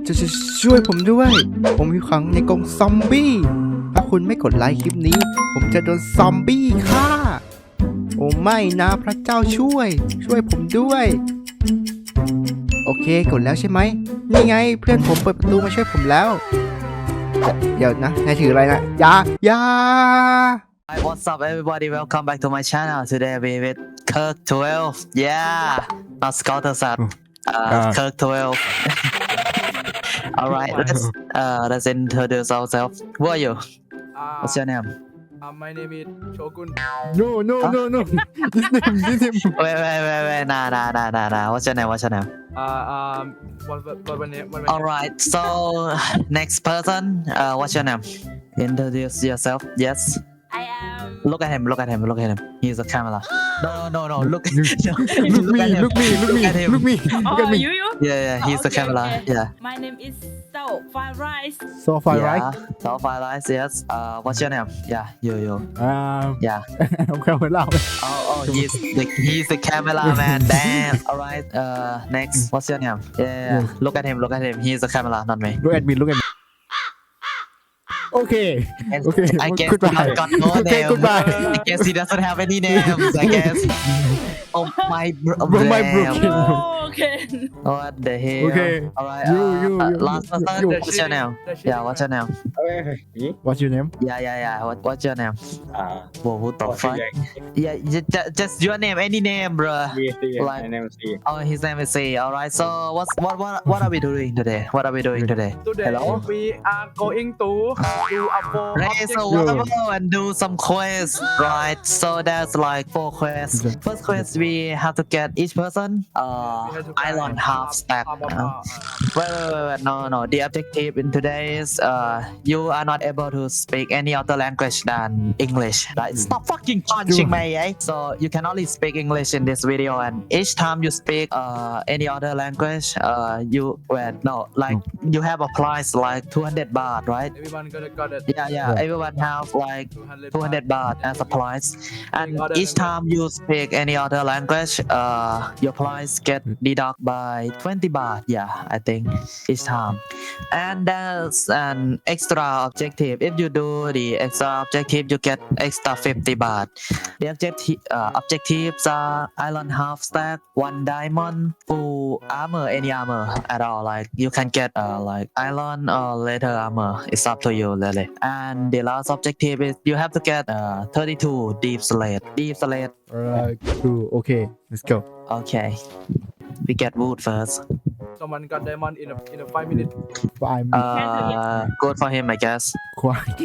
จะช่วยผมด้วย ผมอยู่ขังในกรงซอมบี้ถ้าคุณไม่กดไลค์คลิปนี้ ผมจะโดนซอมบี้ฆ่าโอ้ไม่นะพระเจ้าช่วยผมด้วย โอเคกดแล้วใช่ไหมนี่ไงเพื่อนผมเปิดประตูมาช่วยผมแล้วเดี๋ยวนะนายถืออะไรนะยา Hi, what's up, everybody? Welcome back to my channel. Today we with Kirk 12. Yeah, not Scouter Sat. Kirk 12. Alright, let's introduce ourselves. Who are you? What's your name? My name is Shogun. No this name Wait. Nah. What's your name? What name? Alright, so next person. What's your name? Introduce yourself. Yes. I am. Look at him. He's a camera. No. Look at him. look me Oh, you? Yeah, he's the Okay, camera. okay. Yeah. My name is So Fried Rice. so far Yeah. right So far, guys, yes. What's your name? Yeah, you. Yeah. I'm camera Oh, he's the cameraman. Damn. All right. Next. What's your name? Yeah. Look at him. He's the camera, not me. look at me okay I guess he goodbye not got no okay name. goodbye I guess he doesn't have any names. I guess. Oh my. my damn. broken Oh, okay. What the hell? Okay. All right. You. Last person. You. What's your name? Yeah. What's your name? what's your name Yeah. What's your name? Whoa, what the What's fuck? your Yeah, just your name, any name, bro. My name is C. Oh, his name is C. All right. So what are we doing today? Today Hello? we are going to do a four Raise a objective. level and do some quests, right? So there's like 4 quests. First quest we have to get each person island half stack. Wait. No. The objective in today is you are not able to speak any other language than English. Like stop fucking punching me, eh? So you can only speak English in this video, and each time you speak any other language, you you have a price like 200 baht, right? Everyone got it. Yeah. Everyone have like 200 baht as a price, and each time you speak any other language, your price get deducted by 20 baht. Yeah, I think each time. And there's an extra objective. If you do the extra objective, you get extra 50 baht. The objectives are island half stack, 1 diamond, full armor, any armor at all. Like you can get like iron or leather armor. It's up to you, really. And the last objective is you have to get 32 deep slate. alright cool okay let's go Okay. We get wood first. Someone got diamond in a 5 minutes. I'm Good for him, I guess. quiet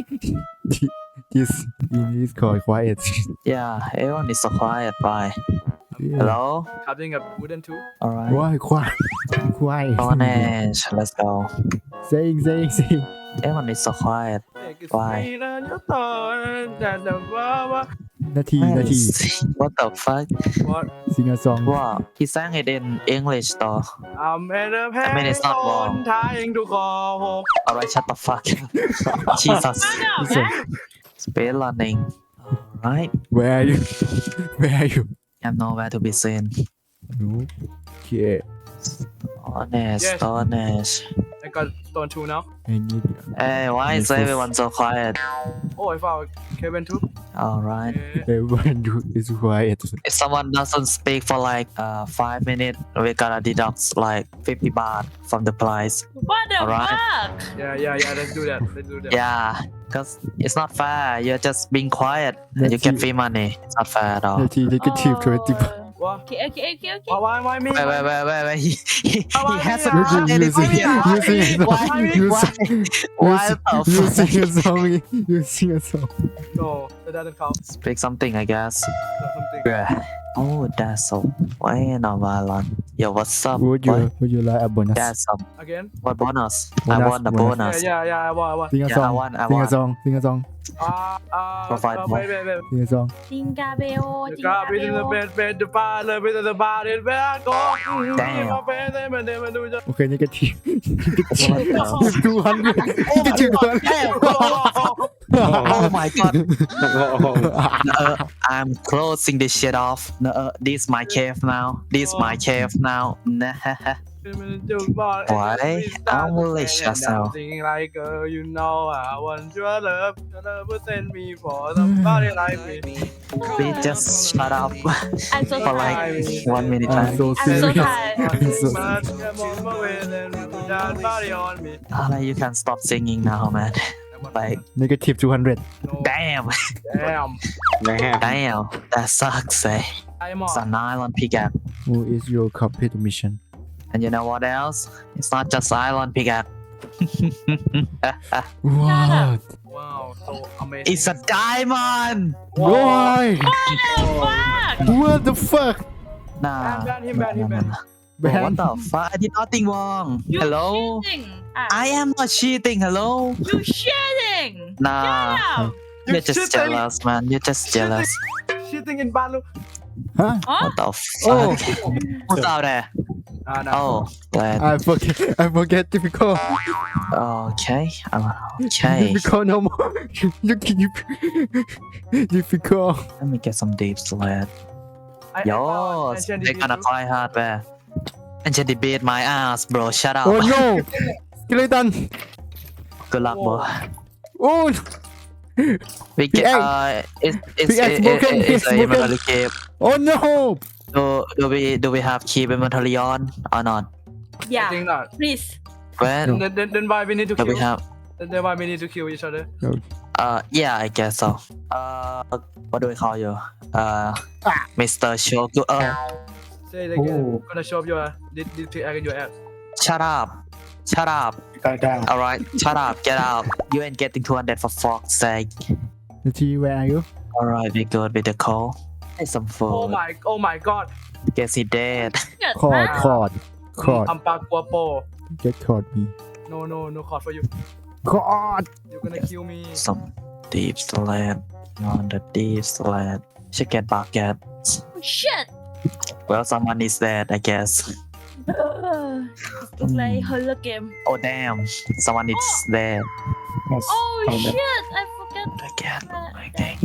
this called quiet Yeah, everyone is so quiet. Bye. Hello. Cutting a wooden tool. All right. why quiet Orange. Let's go. saying Everyone is so quiet. Why? นาที What the fuck? What? sing a song Wow. He sang it in English though. I'm at a I mean, it's not wrong. trying to call. Alright, shut the fuck. Jesus. Listen, Speed running. Alright. where are you I'm nowhere to be seen. okay Yes. Honest. I got stone tool now. I need Hey, why is everyone so quiet? Oh, I found Kevin too. Alright. everyone is quiet If someone doesn't speak for like 5 minutes, we gotta deduct like 50 baht from the price. What the Alright. fuck? Yeah. Let's do that. Yeah, because it's not fair. You're just being quiet and you get free money. It's not fair at all. นาที negative 20 What? Okay. Why me? Wait. He hasn't You done anything sing- yet. you sing a song. Why the you fuck? sing a song No, that doesn't count. Speak something, I guess. That's something. Yeah. Oh, that's so. Why not violent? Yo, what's up? would you like a bonus That's up. Again? What bonus? I Bonus, want the bonus. bonus. Yeah, I want. sing a Yeah, song I want. sing a song Provide more. Wait. sing a song Jinga bell, The car jinga in the bell. bed, the bar, the bar, the bar, go. Damn. okay negative What the- 200 negative 200 Oh my god. I'm closing this shit off. This my cave now. Nah. Why? I'm malicious now. Singing like girl, you know I want your love. Your love will send me for somebody like me. Please just shut up I'm so for tired. like 1 minute I'm time. so I'm so serious. tired. I'm so Much come on my way, then put that body on me. You can stop singing now, man. Like, negative 200 No, damn, damn. damn, that sucks, eh? I'm It's a on. nylon pickaxe. Who is your complete mission? And you know what else? It's not just nylon pickaxe. What? Wow, so amazing. It's a diamond! Why? Fuck! What the fuck? Nah. Ban him, ban him, ban him. Bro, what the fuck? I did nothing wrong. You Hello? cheating. I am not cheating. Hello? You cheating. Nah. Yeah. You're just jealous, man. You're just jealous. Shitting in Balu. Huh? Huh? What the Oh. fuck? Who's out there? No. Oh, glad. I forget difficult. Okay. Okay. Difficult no more. Difficult. Let me get some deep sled. Yo, they're gonna fly hardware. And just debate my ass, bro. Shut up. Oh no! Skeleton! Good luck, bro. Oh! We Pickaxe. get it's Pickaxe broken, it's pickaxe a broken. inventory keep. Oh no! Do we have keep inventory on or not? I Yeah. think not. Please. When Then why we need to do we kill? have? Then why we need to kill each other? Yeah, I guess so. What do we call you? Mr. Shogu. Say it again. Oh. I'm gonna show up your this pickaxe in your ass. Shut up. Shut up. All right, shut up. Get out. You ain't getting 200 for fuck's sake. T, where are you? All right, we good with the call. Hey, some food. Oh my god. Guess he dead. Good, Caught, huh? caught. I'm Park Guapo. Get caught me. No caught for you. Caught! You're gonna kill me. Some deep sled. On the deep sled. Should get bucket. Shit. Well, someone is dead, I guess. It's like horror game. Oh damn, someone is dead. Oh shit! I forget. Again, that. okay.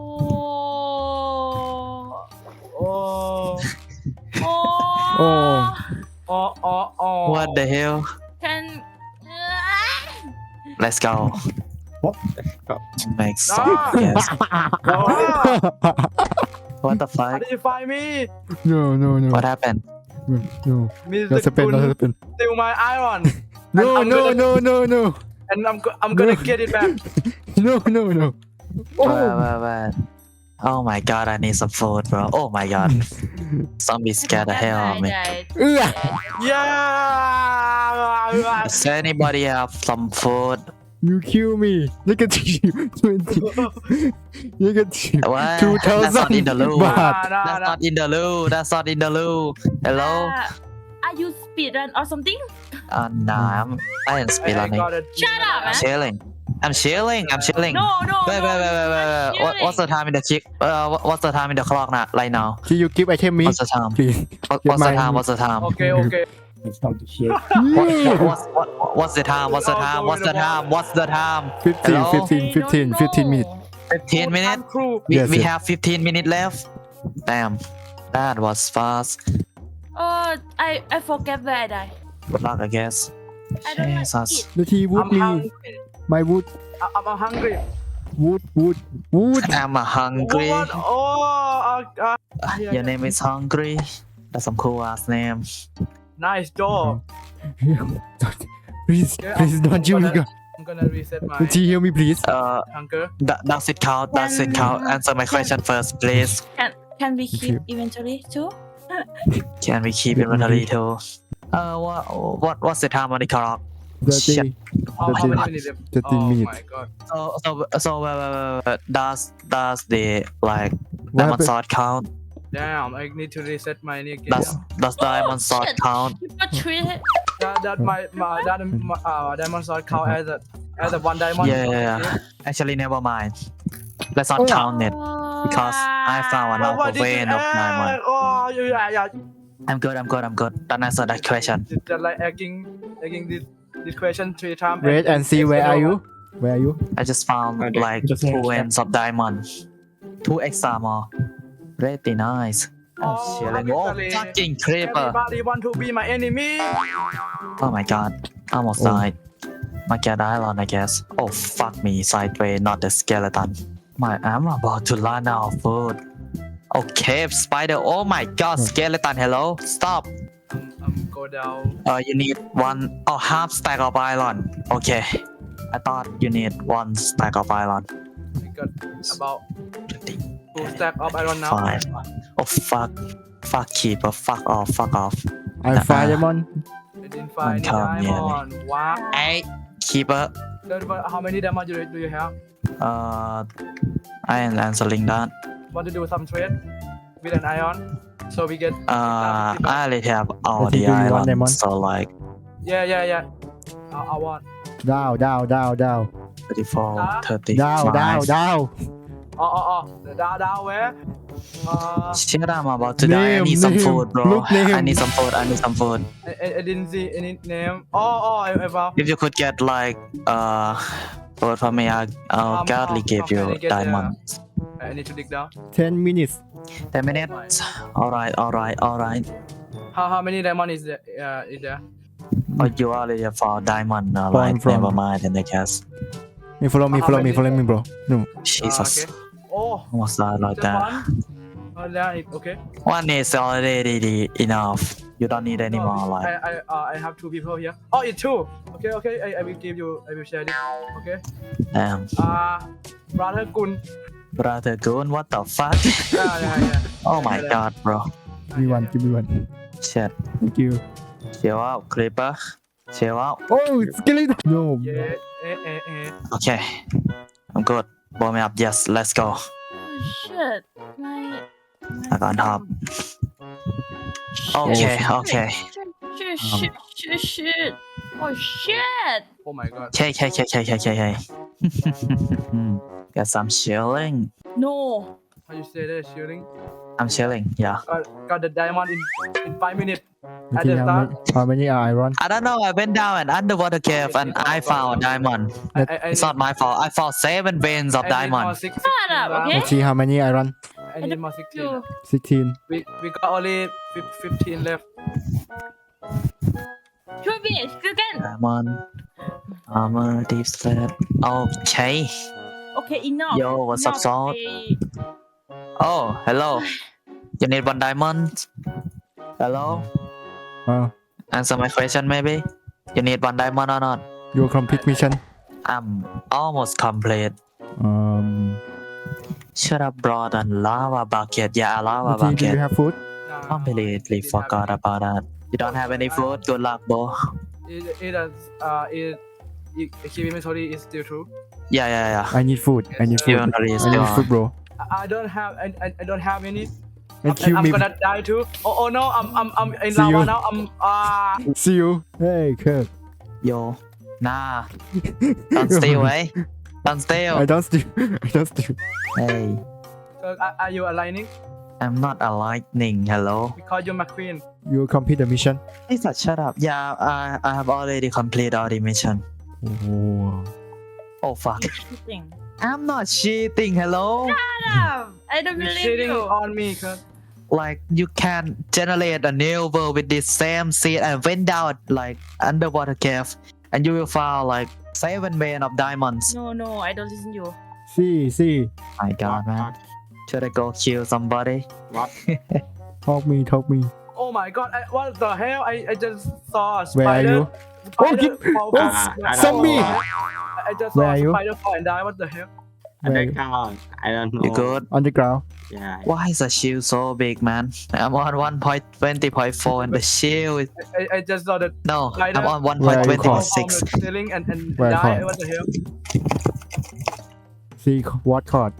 Oh. Oh. Oh. Oh. What the hell? Can. Let's go. What? Make some guess. What the How fuck? did you find me? No. What happened? No. Mr. That's a pen, Kun, that's a pen. steal my iron. No, I'm no, gonna- no. And I'm gonna get it back. No. Wait. Oh my god, I need some food, bro. Oh my god. Zombies scared the hell out of me. Yeah. Does anybody have some food? You kill me. Negative 20. Negative What? 2,000 That's not in the loop. baht. That's not in the loop. That's not in the loop. Hello? Are you speedrun or something? Nah, I ain't I speedrunning. got it. Shut up, man. I'm chilling. No. Wait. What's the time in the chick? What's the time in the clock now? Right now? Can you give item me? What's the time? Please. What's the time? What's the time? Okay. What's the time? What's the time? What's the time? What's the time? 15 minutes. 15 minutes? Crew. Yes, We yes. have 15 minutes left. Damn, that was fast. Oh, I forget where I die. Good luck, I guess. I don't like Jesus. it. The tea wood I'm me. hungry. My wood. I'm hungry. Wood. I'm hungry. What? Oh, Your name is Hungry. That's some cool ass name. nice job. Please don't you me. I'm gonna reset my The tea hear me please. hunger. Does it count? Does it count? Answer my question first, please. Can we keep Okay. inventory too? Can we keep inventory too? What's the time on the clock? Shit. How 13 many minutes? 13 Oh minutes. my god. So wait. Does the like What diamond happened? sword count? Damn, I need to reset my again. Does diamond sword shit. count? People treat it. That diamond sword count as a one diamond. Yeah. Actually, never mind. Let's not count it because I found Oh, another vein of diamond. Oh, yeah. I'm good. Don't answer that question. Just like egging this question 3 times. Wait and see where are you? Where are you? I just found like 2 ends of diamond. 2 extra more. Pretty nice. I'm chilling. Oh, literally, fucking creeper. Everybody want to be my enemy. Oh my god. Almost died. Market Island, I guess. Oh, fuck me. Sideway, not the skeleton. I'm about to run out of food. Oh, cave spider. Oh my god, skeleton. Hello? Stop. Go down. You need half stack of iron. Okay. I thought you need 1 stack of iron. I got about 2 stack of iron now. 5. Oh, fuck. Fuck keeper. Fuck off. Fuck off. I find Diamond. I didn't find any Come here. diamond. Wow. Hey, keeper. How many diamond do you have? I am answering that. Want to do some trade with an iron? So we get. I already have all I think the you want them iron. on. So like Yeah. I want. Down. 34, Ah. 30. Down. Down where? Shit, I'm about to die. I need some food, bro. Look name. I need some food. I didn't see any name. I found. If you could get like food for me, I'll gladly give how you can I get diamonds. I need to dig down. 10 minutes. 10 minutes. Alright. How many diamond is there? Oh, you already have 4 diamond. From- Never mind. In the case, Hey, follow me, bro. No. Jesus, Okay. Oh, almost died like just that. one. Oh, yeah, okay. One is already enough. You don't need any more. Like, I have 2 people here. Oh, it's 2. Okay. I will give you. I will share this. Okay. damn, Brother Kun. brother, Goon, what the fuck? Yeah. Oh my god, bro. Give me one. Shit. Thank you. Chill out, creeper. Chill out. Oh, skeleton. No. Yeah. Okay. I'm good. Blow me up. Yes, let's go. Oh shit. I can't hop. Okay. Shit. Oh shit. Oh my god. Okay. Guess I'm chilling. No. How you say that? Shooting. I'm chilling. Yeah. Got the diamond in 5 minutes. You At think the start. how many are iron? I don't know. I went down an underwater cave and I found a diamond. I It's not my fault. I found 7 veins of diamond. Shut up, okay? Let's see how many iron. I need more 16. You. 16. We got only 15 left. Shoot me. You can. Diamond. Armor, deep slab. Okay. Okay, enough. Yo, what's up, Enough, Salt? eh. Oh, hello. You need 1 diamond? Hello? Answer my question, maybe? You need 1 diamond or not? Your complete mission. I'm almost complete. Should have brought a lava bucket. Yeah, a lava Do you bucket. have food? Completely forgot about that. You don't have any food? Good luck, bro. It keep inventory is still true. Yeah. I need food. I need food. Inventory is I still need food, on. bro. I don't have. I don't have any. And kill I'm me. gonna die too. Oh no! I'm in See lava you. now. See you. Hey, Kirk. Yo. Nah. Don't stay away. Don't stay I away. don't steal. I don't steal. Hey. Are you aligning? I'm not a lightning. Hello. Because you're my queen. You complete the mission. Lisa, shut up. Yeah, I have already completed all the mission. Oh. Oh, fuck. Cheating. I'm not cheating. Hello. Shut up. I don't You're believe cheating you. on me, cuz. Like, you can generate a new world with this same seed and went down like underwater cave, and you will find like 7 veins of diamonds. No, I don't listen to you. See. My god, man. Should I go kill somebody? Talk me. Oh my god! What the hell? I just saw a Where are spider. you? Spider fall Oh, down. zombie! I just Where saw are a you? spider fall and die. What the hell? Underground. I don't know. You good? On the ground. Yeah. Why is the shield so big, man? I'm on 1.20.4 and the shield is... I just saw the No, Spider? I'm on Where are you fall 1.20.6. from the ceiling and Where die. caught? What the hell? See what caught.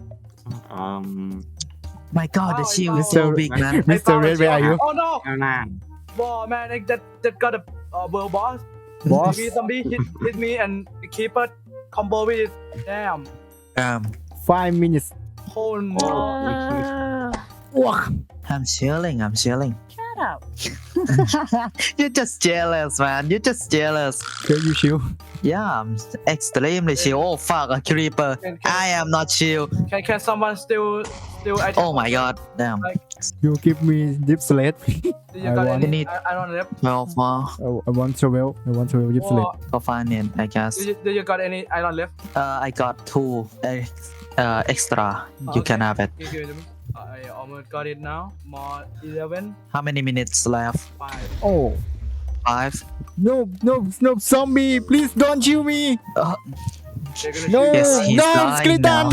My god, the Oh, shield is no. so big, man. I Mr. found a Red, where are you? Oh no! ข้างหน้า Wow, man! That got a world boss. Boss. Zombie hit me and the keeper combo with it. Damn. 5 minutes. Holy moly. I'm chilling. Shut up. You're just jealous, man. You're just jealous. Can you chill? Yeah, I'm extremely chill. Oh fuck, a creeper. I am not chill. Can someone still Oh my god, damn. You give me deep slate. Do you I got want- any Need- iron left? 12 more. I want 12. I want 12 deep slate. Or For finance, I guess. do you got any iron left? I got 2 extra. You Okay. can have it. Give it to me. I almost got it now. More 11, How many minutes left? 5. Oh. 5. No, zombie, please don't kill me. They're gonna No, shoot Yes, you. he's no, dying skeleton.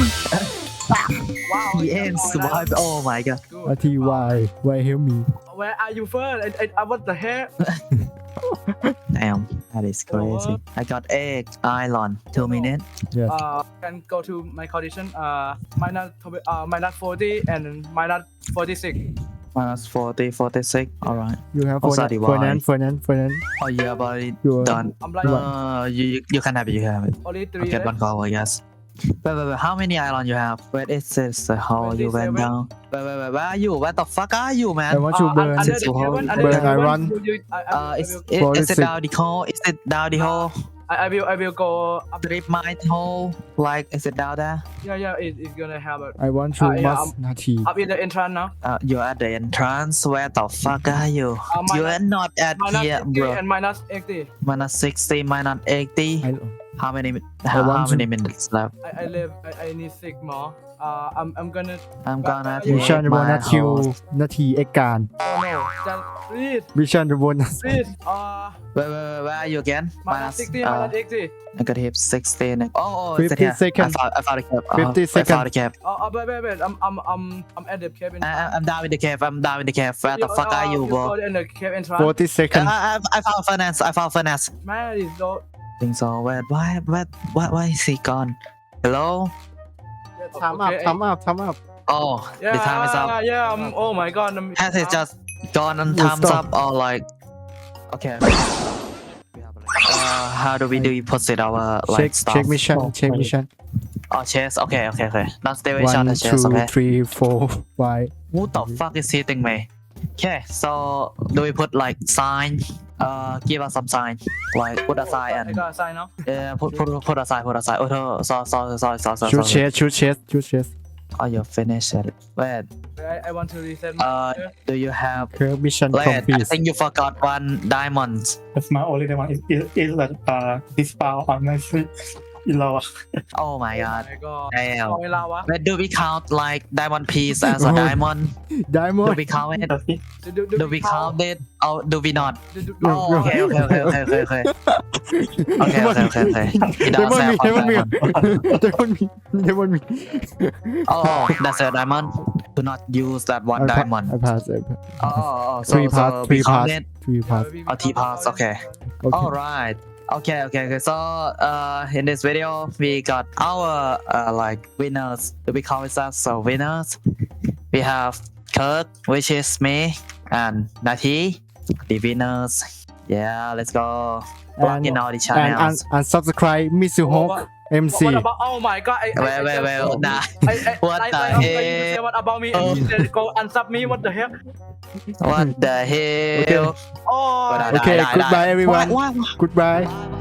Wow. He ends survived. Oh my god. Good. Ati, why help me? Where are you first? What the heck? Damn, that is crazy. I got 8 iron. 2 minutes. Yes. Can go to my condition. Minus 40 and minus 46. Minus 40, 46. Alright. You have Oh, sorry, why? finance. Oh, you have already You are done. I'm like You can have it. You have it. only 3 I'll get one left. call, I guess. Wait. How many iron you have? Wait, it says how you went 27. down. Wait. Where are you? Where the fuck are you, I man? want to burn. Under the So cabin, how- under burn the cabin, iron. Is it 46. down the hole? Is it down the hole? I will go up. Strip mine hole? Like, is it down there? Yeah, it's gonna have a I want to yeah, must Nati. up in the entrance now. You're at the entrance. Where the fuck are you? Minus- You are not at Minus here, 60 bro. and minus 80. Minus 60, minus 80. I, How many? want How to- many minutes left? I live. I need 6 more. I'm gonna. I'm gonna You take Mission my bonus whole- kill นาทีเอกการ Oh no! Just please, Mission bonus please. Wait, where are you again? Minus 60, minus 80. Negative 16. Oh, 50 is it here? seconds. I found the cap. 50 I seconds. found the cap. Wait. I'm at the cabin. I'm down with the cave. I'm down with the cave. Where the fuck are you, bro? Go in the cave entrance. 40 seconds I found finance. I found finance. Man, it's so. Think so. Why is he gone? Hello? Okay, time up Oh, Yeah, the time is up. Yeah. Oh my God. Has it just gone and Oh, time's stop. up or like? Okay. How do we proceed our like stuff? check mission Oh, chess. Okay. Not stay with 1 chess. 2 Okay. 3 4 why Who the fuck is hitting me? Okay, so do we put like sign? Give us some sign. Like put a sign I and got a sign now. put a sign. Oh, sorry. shoot chest Oh, you finished it. Wait. I want to reset my. Do you have? curve mission Wait, I complete think you forgot 1 diamond. That's my only one. Is that dispel on my street in lava. Oh my god. my God. Damn. เอาเวลาวะ Wait, do we count like diamond piece as a Oh. diamond? Do diamond we count it? That's it. Do we count it? Or do we not? No, Oh, no. okay. Okay. He does have one diamond. me Oh, that's a diamond. Do not use that one diamond. I pass Oh, so, 3 so parts we 3 count parts it. 3 parts Oh, T parts. Okay. All right. Okay. So, in this video, we got our like winners. Do we call it that? So winners. We have Kirk, which is me, and Nati, the winners. Yeah, let's go. Plug in all the and channels. unsubscribe Misu Hawk MC What about? Oh my God. Wait. Nah. What the You say hell? what about me? And you said go unsub me. What the heck? What the hell? Oh. What okay goodbye everyone Why? goodbye